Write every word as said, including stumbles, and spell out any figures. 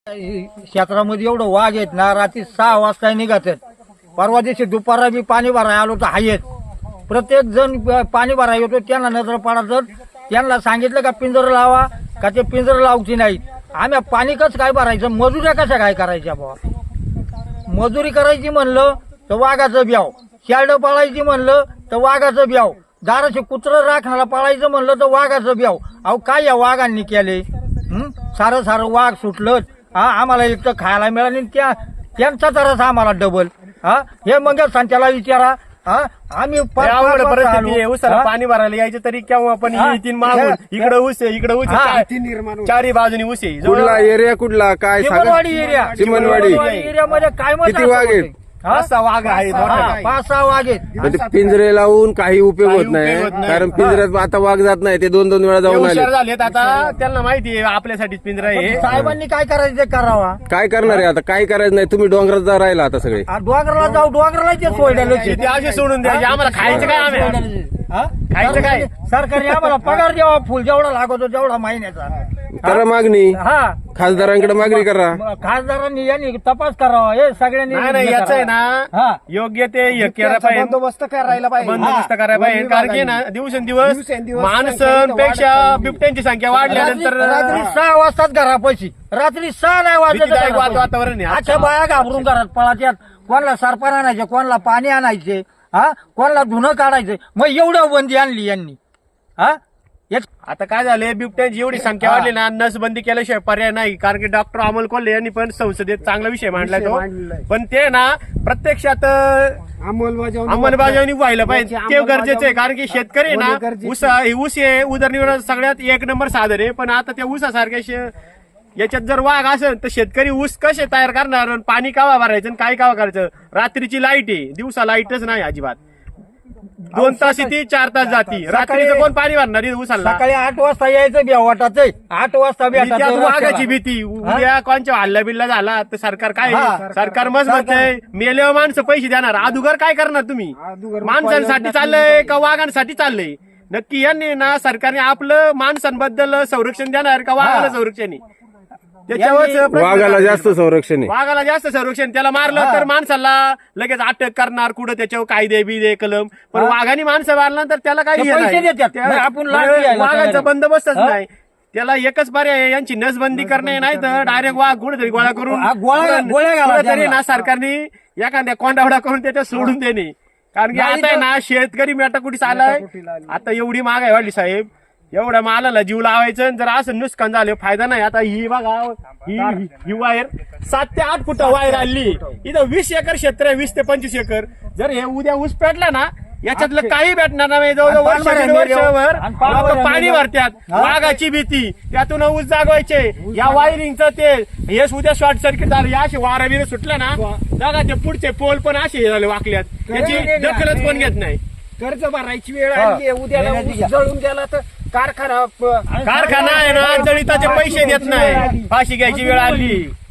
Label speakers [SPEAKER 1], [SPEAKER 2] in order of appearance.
[SPEAKER 1] क्षेत्रामध्ये एवढं वाघ आहेत ना, रात्री सहा वाजता निघतात. परवा दिवशी दुपारा बी पाणी भरायला आलो तर हायच. प्रत्येक जण पाणी भरायला येतो, त्यांना नजर पडायचं. त्यांना सांगितलं का पिंजर लावा, का ते पिंजर लावची नाही. आम्ही पाणी कसं काय भरायचं, मजुऱ्या कशा काय करायच्या बाबा. मजुरी करायची म्हणलं तर वाघाचं ब्याव, शेरडं पाळायची म्हणलं तर वाघाचं ब्याव, दाराचे कुत्रं राखणाला पाळायचं म्हणलं तर वाघाचं ब्याव. अहो काय या वाघांनी केले. हं? सारं सारं वाघ सुटलं. हा आम्हाला एक तर खायला मिळालं, त्या त्यांचा तरच आम्हाला डबल. हा हे मग त्याला विचारा. हा आम्ही
[SPEAKER 2] उसाला पाणी भरायला यायचं तरी केव्हा पण येतील मागून. इकडे ऊस आहे, इकडे ऊस आहे, चारी बाजूनी ऊस आहे.
[SPEAKER 3] कुठला एरिया, कुठला काय
[SPEAKER 1] चिमणवाडी एरिया,
[SPEAKER 3] चिमणवाडी
[SPEAKER 1] एरियामध्ये काय
[SPEAKER 3] किती वाघ आहेत?
[SPEAKER 2] पाच सहा वाघ आहेत,
[SPEAKER 1] पाच सहा वाघ आहेत.
[SPEAKER 3] पिंजरे लावून काही उपयोग होत नाही, कारण पिंजऱ्यात आता वाघ जात नाही. ते दोन दोन वेळा जाऊन आले.
[SPEAKER 2] हुशार झालेत आता, त्यांना माहिती आहे आपल्यासाठीच पिंजरा आहे.
[SPEAKER 1] साहेबांनी काय करायचं ते करावा.
[SPEAKER 3] काय करणार आहे आता, काय करायचं नाही. तुम्ही डोंगरात जा राहिला आता सगळे.
[SPEAKER 1] डोंगराला जाऊ, डोंगराला ते सोडलेलं.
[SPEAKER 2] ते असे सोडून द्यायचे. आम्हाला खायचं काय, आम्ही खायचं काय.
[SPEAKER 1] सरकारने आम्हाला पगार द्यावा फुल जेवढा लागतो तेवढा महिन्याचा.
[SPEAKER 3] करा मागणी,
[SPEAKER 1] हा
[SPEAKER 3] खासदारांकडे मागणी करा.
[SPEAKER 1] खासदारांनी यांनी तपास करावा. हे सगळ्यांनी
[SPEAKER 2] नाही याच आहे ना, योग्य ते हे केलं पाहिजे,
[SPEAKER 4] बंदोबस्त करायला पाहिजे,
[SPEAKER 2] बंदोबस्त करायला पाहिजे. कारण की ना दिवसेंदिवस माणसांपेक्षा बिबट्यांची संख्या वाढल्यानंतर
[SPEAKER 1] रात्री सहा वाजताच घरापाशी, रात्री सहा नाही
[SPEAKER 2] भीतीदायक
[SPEAKER 1] वाजत
[SPEAKER 2] वातावरण आहे.
[SPEAKER 1] अच्छा बाया घाबरून घरात पळाच्यात. कोणाला सरपण आणायचे, कोणाला पाणी आणायचे, हा कोणाला धुणं काढायचं. मग एवढं बंदी आणली यांनी. हा
[SPEAKER 2] आता काय झाले, बिबट्यांची एवढी संख्या वाढली ना, नसबंदी केल्याशिवाय पर्याय नाही. कारण की डॉक्टर अमोल कोल्हे यांनी पण संसदेत चांगला विषय मांडलाय तो. पण ते ना प्रत्यक्षात
[SPEAKER 4] अंमलबजावणी
[SPEAKER 2] अंमलबजावणी व्हायला पाहिजे, ते गरजेचं आहे. कारण की शेतकरी ना ऊस ऊस आहे, उदरनिर्वाह सगळ्यात एक नंबर साधन आहे. पण आता त्या ऊसासारख्या याच्यात जर वाघ असेल तर शेतकरी ऊस कसे तयार करणार, पाणी कावा भरायचं, काय कावा करायचं. रात्रीची लाईट आहे, दिवसा लाईटच नाही अजिबात. दोन तास येते, चार तास जाती. रात्रीचं कोण पाणी भरणार ऊसाला.
[SPEAKER 1] सकाळी आठ वाजता यायचं बी वाटाच. आठ वाजता बी
[SPEAKER 2] वाघाची भीती. उद्या कोणच्या हल्ला बिल्ला झाला तर सरकार काय, सरकार मस्त म्हणतंय मेल्यावर माणसं पैसे देणार. अदुगर काय करणार तुम्ही. माणसांसाठी चाललंय का वाघांसाठी चाललंय. नक्की यांनी ना सरकारने आपलं माणसांबद्दल संरक्षण देणार का वाघाला संरक्षण आहे, त्याच्यावर
[SPEAKER 3] वाघाला जास्त संरक्षण आहे.
[SPEAKER 2] वाघाला जास्त संरक्षण. त्याला मारलं तर माणसाला लगेच अटक करणार, कुठं त्याच्यावर कायदे बिदे कलम. पण वाघाने माणसं मारलं तर त्याला काही
[SPEAKER 1] आपण
[SPEAKER 2] वाघाचा बंदोबस्तच नाही. त्याला एकच पर्याय, यांची नसबंदी करणे, नाही तर डायरेक्ट वाघ कुठेतरी गोळा करून तरी ना सरकारने एखाद्या कोंडावडा करून त्याच्यात सोडून देणे. कारण की आता आहे ना शेतकरी मेटाकुटीस आलाय. आता एवढी महागाई वाढली साहेब, एवढ्या मालाला जीव लावायचं. जर असं नुकसान झालं फायदा नाही. आता ही बघा, ही ही वायर सात ते आठ फुट वायर आली. इथं वीस एकर क्षेत्र आहे, वीस ते पंचवीस एकर. जर हे उद्या ऊस पेटला ना, याच्यातलं काही भेटणार नाही. जवळजवळ वर्ष वर्षभर पाणी भरतात. वाघाची भीती, त्यातून ऊस जागवायचे. या वायरिंगचं ते हे उद्या शॉर्ट सर्किट झालं, या असे वारा बिर सुटलं ना, बघा ते पुढचे पोल पण असे झाले वाकल्यात. त्याची दखलच कोण घेत नाही.
[SPEAKER 4] कर्ज भरायची वेळ आली, उद्याला ऊस जळून गेला तर कारखाना
[SPEAKER 2] कारखाना आहे ना, जळिताचे पैसे देत नाही. फाशी घ्यायची वेळ आली.